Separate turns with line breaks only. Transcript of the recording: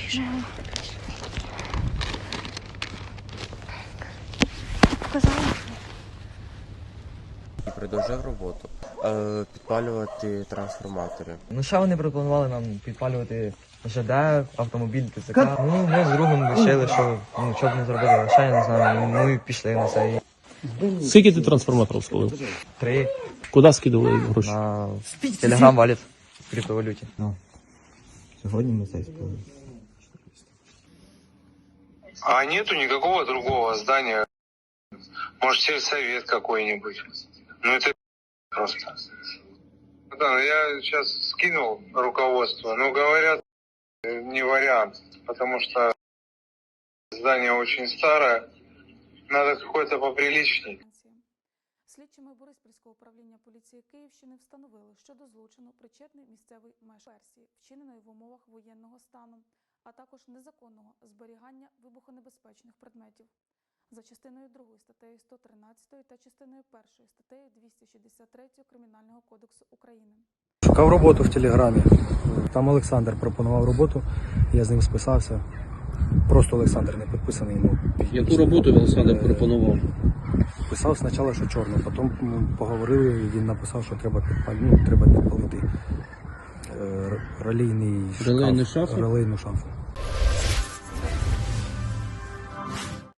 Біжи. Показала.
І продовжив роботу. Підпалювати трансформатори.
Ну, ще вони пропонували нам підпалювати ЖД, автомобіль, ТЦК. Ну, ми з другом вирішили, що б не зробити, а ще я не знаю, ну і пішли на це.
Скільки ти трансформаторів спалив?
3
Куди скидували гроші?
на Telegram валіт в криптовалюті. Сьогодні ми це спалили.
А нету никакого другого здания? Может, сельсовет какой-нибудь? Ну, это просто. Да, я сейчас скинул руководство, но говорят, не вариант, потому что здание очень старое, надо какое-то поприличней.
Слідчими Бориспільського управління поліції Київщини встановили, що до злочину причетний місцевий мешканець, вчиненої в умовах воєнного стану, а також незаконного зберігання вибухонебезпечних предметів. За частиною 2 статтею 113 та частиною 1 статтею 263 Кримінального кодексу України.
Шукав роботу в Телеграмі. Там Олександр пропонував роботу, я з ним списався. Просто Олександр, не підписаний йому.
Яку роботу Олександр пропонував?
Писав спочатку, що чорно, потім поговорили, і він написав, що треба підпалити релейний шаф.
Релейну шафу?
Релейну шафу.